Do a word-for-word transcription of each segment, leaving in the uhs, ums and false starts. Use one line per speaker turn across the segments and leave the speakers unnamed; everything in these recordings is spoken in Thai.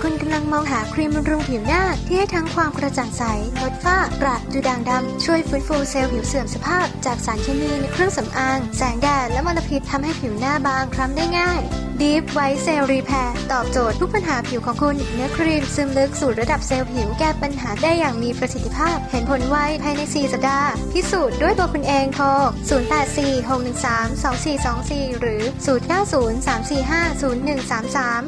คุณกำลังมองหาครีมบำรุงผิวหน้าที่ให้ทั้งความกระจ่างใสลดฝ้ากระดูด่างดำช่วยฟื้นฟูเซลล์ผิวเสื่อมสภาพจากสารเคมีในเครื่องสำอางแสงแดดและมลพิษทำให้ผิวหน้าบางคล้ำได้ง่าย Deep White Cell Repair ตอบโจทย์ทุกปัญหาผิวของคุณเนื้อครีมซึมลึกสู่ระดับเซลล์ผิวแก้ปัญหาได้อย่างมีประสิทธิภาพเห็นผลไวภายในสี่สัปดาห์พิสูจน์ด้วยตัวคุณเองโทรศูนย์ แปด สี่ หก หนึ่ง สาม สอง สี่ สอง สี่หรือศูนย์ เก้า ศูนย์ สาม สี่ ห้า ศูนย์ หนึ่ง สาม สาม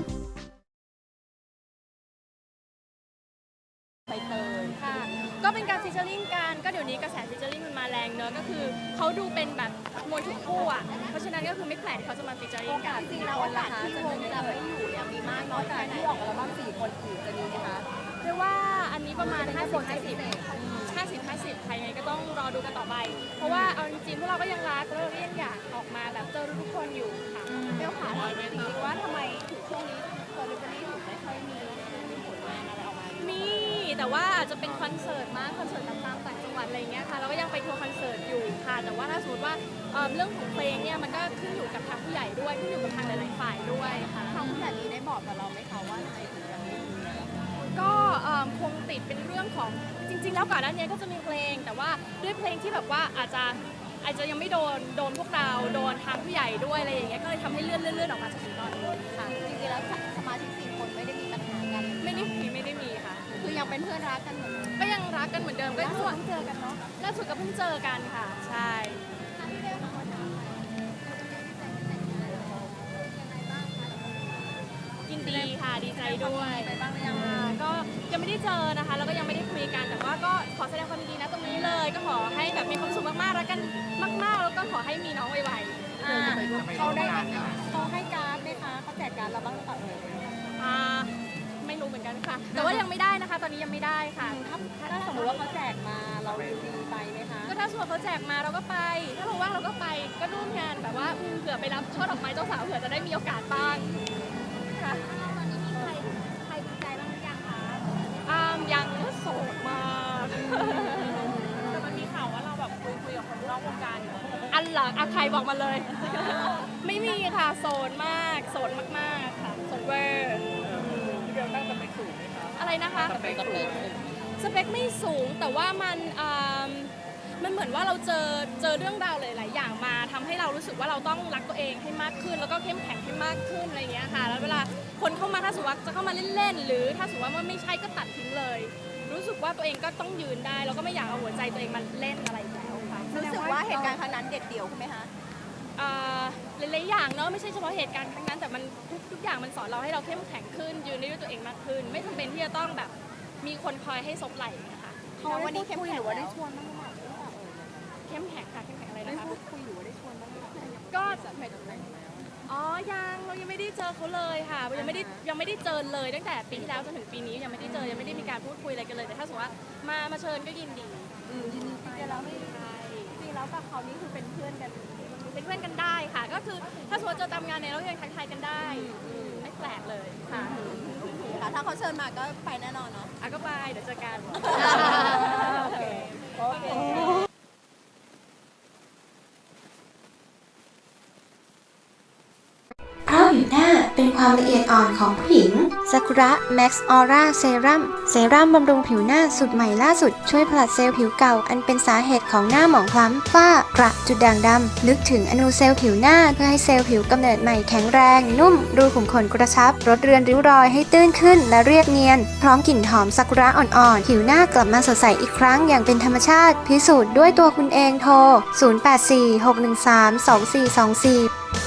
ใบเตยค่ะก็เป็นการฟิชเชอร์ลิงกันก็เดี๋ยวนี้กระแสฟิชเชอร์ลิงมันมาแรงเนอะก็คือเขาดูเป็นแบบมวยถูกคู่อ่ะเพราะฉะนั้นก็คือไม่แปลกที่เขาจะมาฟิชเชอร์ลิงกัน
จริงๆแล้วโอกาสที่วงจะไม่อยู่เนี่ยมีมากน้อยแค่ไหนที่ออกอัลบั้มสี่คนอื่นจะมีไหมคะ
เรียกว่าอันนี้ประมาณห้าสิบ ห้าสิบ ห้าสิบ ห้าสิบใครไงก็ต้องรอดูกันต่อไปเพราะว่าเอาจริงๆพวกเราก็ยังรักแล้วเราก็ยังอยากออกมาแบบเจอทุกคนอยู่ค่ะ
เบลขาถามจริงๆว่าทำไมถึงช่วงนี้เซอร์วิสนี้ถึงไม่ค่อยมีมีผลงานอะไรออกมา
มีแต่ว่าอาจจะเป็นคอนเสิร์ตมากคอนเสิร์ตตามต่างจังหวัดอะไรเงี้ยค่ะเราก็ยังไปทัวร์คอนเสิร์ตอยู่ค่ะแต่ว่าถ้าสมมติว่าเรื่องของเพลงเนี่ยมันก็ขึ้นอยู่กับทางผู้ใหญ่ด้วยขึ้นอยู่กับทางหลายๆฝ่ายด้วยค่ะ
ทางผู้ใหญ่นี้ได้บอกกับเราไหมคะว่าทำไมถึงยังไม่มี
ก็คงติดเป็นเรื่องของจริงๆแล้วก่อนหน้านี้ก็จะมีเพลงแต่ว่าด้วยเพลงที่แบบว่าอาจจะอาจจะยังไม่โดนโดนพวกเราโดนทางผู้ใหญ่ด้วยอะไรอย่างเงี้ยก็เลยทำให้เลื่อนเลื่อนเลื่อนออกมาจนถึงตอนนี้ค่ะ
จริงๆแล้วสมาชิกสี่คนไม่ได้มีปัญหากัน
ไม่ได้มีไม่ได้มีค่ะ
คือยังเป็นเพื่อนรักกันเหมือนเดิม
ก็ยังรักกันเหมือนเดิมก็
ล่าสุดเพิ่งเจอกันเนาะ
ล่าสุดก็เพิ่งเจอกันค่ะใช่ยินดีค่ะดีใจด้วย
ไปบ้างหรือยัง
ก็ยังไม่ได้เจอนะคะแล้วก็ยังไม่ได้คุยกันแต่ว่าก็ขอแสดงความยินดีนะตรงนี้เลยก็ขอให้แบบมีความสุขมากๆรักกันมากๆแล้วก็ขอให้มีน้องไว
ๆเขาได้เขาให้การ์ดไหมคะเขาแจกการ์ดเราบ้างหรือเปล่า
อ่าไม่รู้เหมือนกันค่ะแต่ว่ายังไม่ได้นะคะตอนนี้ยังไม่ได้ค่ะ
ถ้าสมมติว่าเขาแจกมาเรายินดีไปไหมคะ
ก็ถ้าสมมติเขาแจกมาเราก็ไปถ้าเราว่างเราก็ไปก็ร่วมงานแบบว่าเผื่อไปรับช่อดอกไม้เจ้าสาวเผื่อจะได้มีโอกาสบ้างค่ะ
ตอนนี้มีใครใครดีใจบ้างหรือยังคะ
อ่ายังก็โสดมาก
แต่มันมีข่าวว่าเราแบบคุยคุยกับคนนอกวงการอยู่
อันหลังอะใครบอกมาเลยไม่มีค่ะโสดมากโสดมากๆค่ะโสดเวอร์
พี่เบลตั้งสเปคสูงไหมคะ
อะไรนะคะ
สเปคสูง
สเปคไม่สูงแต่ว่ามันมันเหมือนว่าเราเจอเจอเรื่องราวหลายๆอย่างมาทำให้เรารู้สึกว่าเราต้องรักตัวเองให้มากขึ้นแล้วก็เข้มแข็งให้มากขึ้นอะไรอย่างเงี้ยค่ะแล้วเวลาคนเข้ามาถ้าสมมติว่าจะเข้ามาเล่นๆหรือถ้าสมมติว่าไม่ใช่ก็ตัดทิ้งเลยรู้สึกว่าตัวเองก็ต้องยืนได้แล้วก็ไม่อยากเอาหัวใจตัวเองมาเล่นอะไรแล้วค่ะ
รู้สึกว่าเหตุการณ์ครั้งนั้นเด็ดเดี่ยวใช่ไหมคะ
หลายๆอย่างเนาะไม่ใช่เฉพาะเหตุการณ์ครั้งนั้นแต่มันทุกทุกอย่างมันสอนเราให้เราเข้มแข็งขึ้นยืนได้ด้วยตัวเองมากขึ้นไม่จำเป็นที่จะต้องแบบมีคนคอยให้ซบไหล่นะคะ
เขาวันนี้เข้มแข็งหรือว่าได้ชวนบ้างไหม
เข้มแข็งค่ะเข้มแข็งอะไรนะคะ
ได้พูดคุยหรือว่าได้ชวนบ้างไหม
ก็หมายถึงอะไรอ๋อยังเรายังไม่ได้เจอเขาเลยค่ะยังไม่ได้ยังไม่ได้เจอเลยตั้งแต่ปีที่แล้วจนถึงปีนี้ยังไม่ได้เจอยังไม่ได้มีการพูดคุยอะไรกันเลยแต่ถ้าสมมติว่ามามาเชิญก็ยินดี
อืมยินดีไปแล้วไม่ใช่จริงแล้วกับเขานี่คือเป็นเพื่อนกัน
เป็นเพื่อนกันได้ค่ะก็คือถ้าสมมติเจอตามงานเนี่ยเรายังทักทายกันได้ไม่แปลกเลยค่ะ
ถ้าเขาเชิญมาก็ไปแน่นอนเนาะ
อ่ะก็ไปเดี๋ยวเจอกัน
โอเคโอเค
เพราะผิวหน้าเป็นความละเอียดอ่อนของผู้หญิงซากุระแม็กซ์ออร่าเซรั่มเซรั่มบำรุงผิวหน้าสูตรใหม่ล่าสุดช่วยผลัดเซลล์ผิวเก่าอันเป็นสาเหตุของหน้าหมองคล้ำฝ้ากระจุดด่างดำลึกถึงอนูเซลล์ผิวหน้าเพื่อให้เซลล์ผิวกำเนิดใหม่แข็งแรงนุ่มรูขุมขนกระชับลดเรือนริ้วรอยให้ตื้นขึ้นและเรียบเนียนพร้อมกลิ่นหอมซากุระอ่อนๆผิวหน้ากลับมาสดใสอีกครั้งอย่างเป็นธรรมชาติพิสูจน์ด้วยตัวคุณเองโทรศูนย์ แปด สี่ หก หนึ่ง สาม สอง สี่ สอง สี่